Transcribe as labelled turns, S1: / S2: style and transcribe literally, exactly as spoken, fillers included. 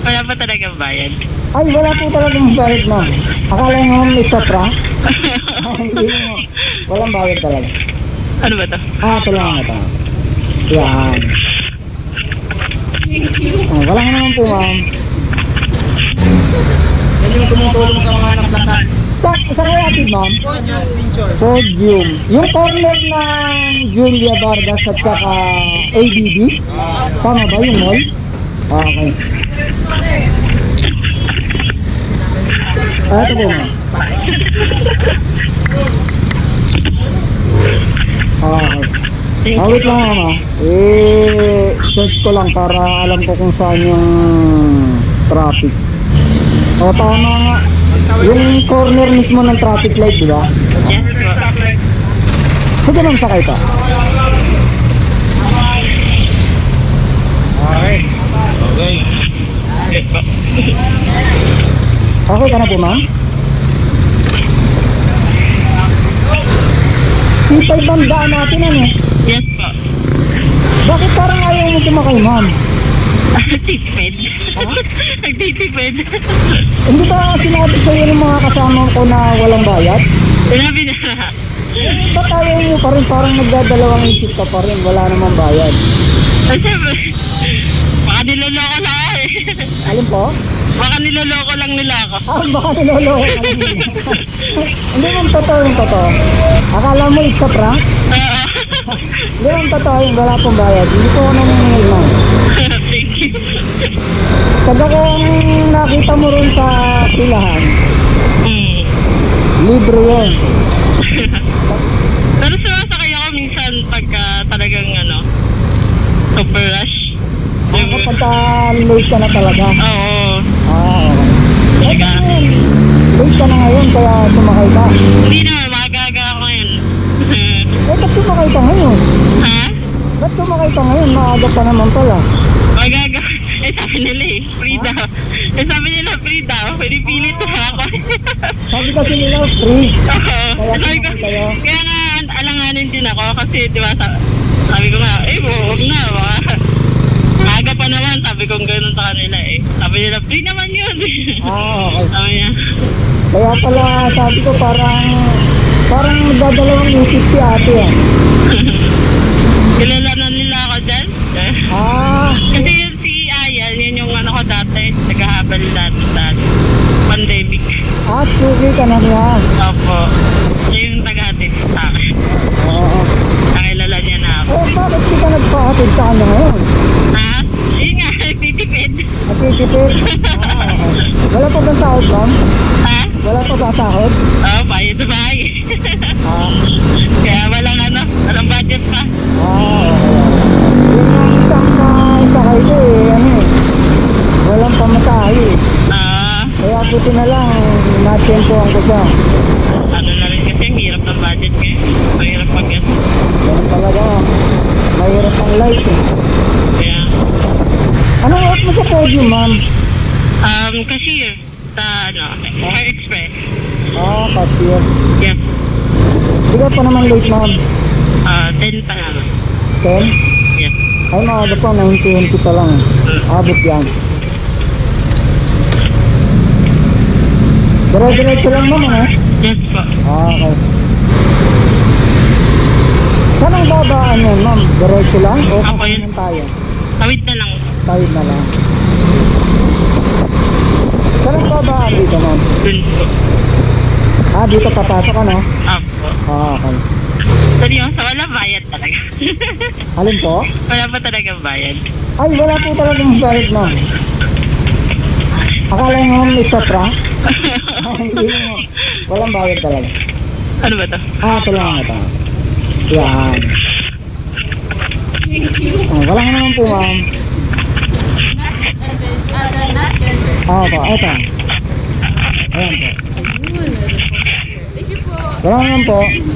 S1: Wala pa talagang bayad.
S2: Ay, wala po talagang bayad, ma'am. Akala nyo may sopra? Ay, hindi mo. Walang bayad talaga.
S1: Ano ba to?
S2: Ah, ito lang ito. Yan. Oh, wala nga naman po, ma'am.
S3: Yan yung tumutulong sa mga naplakan.
S2: Sa, sa kaya atid, ma'am? Podium. Yung corner ng Julia Vargas at saka A D B? Tama ba yung mall? Okay. Ah, ito po, ma'am. Okay. Ah, wait lang, ma'am. ah. Eh, search ko lang para alam ko kung saan yung traffic. O, tama nga. Yung corner mismo ng traffic light, di ba?
S1: Yes po.
S2: Sige, ma'am, sakay ka.
S3: Okay. Okay.
S1: Yes po.
S2: Okay ka na po, ma'am? C five ang daan natin, ano?
S1: Yes po.
S2: Bakit parang ayaw mo sumakay, ma'am?
S1: Tipid.
S2: Ha?
S1: Nagtitipid.
S2: Hindi ba sinabi sa'yo ng mga kasama ko na walang bayad?
S1: Sinabi na.
S2: Eh, ba't ayaw mo pa rin? Parang nagdadalawang isip ka pa rin. Wala namang bayad.
S1: Ay, siyempre. Baka niloloko lang ako eh.
S2: Alin po?
S1: Baka niloloko lang nila ako.
S2: Ah, baka niloloko ka lang nila. Hindi ma'am, totoo yung totoo. Akala mo it's a prank?
S1: Oo.
S2: Hindi ma'am, totoo yung wala pong bayad. Hindi ko naningil, ma'am.
S1: Thank you.
S2: Taga kung nakita mo rin sa pilahan,
S1: Hmm.
S2: libre yun.
S1: Pero sumasakay ako minsan pagka talagang ano, super rush.
S2: Yung kapag late ka na talaga.
S1: Oo.
S2: Ah, okay.
S1: Talaga.
S2: Eh, late ka na ngayon kaya sumakay ka.
S1: Hindi naman, magaga ako ngayon.
S2: Eh, ba't sumakay ka ngayon?
S1: Ha?
S2: Ba't sumakay ka ngayon? Maaga pa naman pala.
S1: Magaga. Eh sabi nila eh, free daw. Eh sabi nila free daw, pinipilit na ako.
S2: Sabi kasi nila free.
S1: Oo.
S2: Kaya
S1: Sabi ko,
S2: sumakay kayo.
S1: kaya nga alanganin din ako kasi di ba sa, sabi ko nga, eh huwag na, baka maaga pa naman, sabi ko gano'n sa kanila eh. Sabi nila, free naman yun.
S2: Ah, okay.
S1: Sabi niya,
S2: Kaya pala sabi ko parang parang nagdadalawang isip si ate ah.
S1: kilala na nila ako dyan.
S2: Ah,
S1: Kasi yun si Ayan, yun yung ano ko dati, naghahabal dati dati. Pandemic.
S2: ah, sugi ka na niya.
S1: Opo. Siya yung taga-hatid sa akin.
S2: Oo.
S1: Nakilala niya na ako.
S2: Eh, bakit di ka nagpahatid sa kanya ngayon?
S1: Ha? Yun nga, nagtitipid.
S2: At isipin? Ah, okay. Wala pa bang sahod, ma'am?
S1: Ha?
S2: Wala pa ba sahod?
S1: Oo, bayad na bayad.
S2: Ah,
S1: Kaya walang ano, walang budget pa.
S2: ah, okay. Yun ang isang uh, isakay ko eh, ano eh. Walang pamasahe eh.
S1: Ah,
S2: Kaya buti na lang, natsempohan ko siya.
S1: ano na rin kasi, ang hirap ng budget ngayon. Mahirap pag yan.
S2: Ganun talaga. Mahirap ang life eh.
S1: Kaya,
S2: Anong work mo sa podium, ma'am?
S1: um, cashier sa, ano, Air Express.
S2: Ah, cashier.
S1: Yes.
S2: Hindi ka pa naman late, ma'am.
S1: Ah, ten pa naman.
S2: ten?
S1: Yes.
S2: Ay, maaga pa, nine twenty pa lang. Abot yan. Dire-diretso lang, ma'am, ha?
S1: Yes po.
S2: Ah, okay. Saan ang babaan yan, ma'am? Diretso lang? O
S1: Ako yun.
S2: kakanan tayo?
S1: Tawid na lang.
S2: Tawid na lang. Saan ang babaan dito, ma'am?
S1: Dun po.
S2: Ah, dito papasok ka, no?
S1: Apo.
S2: Ah, okay.
S1: Seryoso, wala bayad talaga.
S2: Alin po?
S1: Wala pa talagang bayad.
S2: Ay, wala po talagang bayad, ma'am. Akala nyo may sopra? Ay, hindi mo. Walang bayad talaga.
S1: Ano ba to?
S2: Ah, ito lang ito. Yan. Oh, wala nga naman po, ma'am. Ah, po. Ito. Ayan po.
S4: Thank you po.
S2: Wala nga naman po.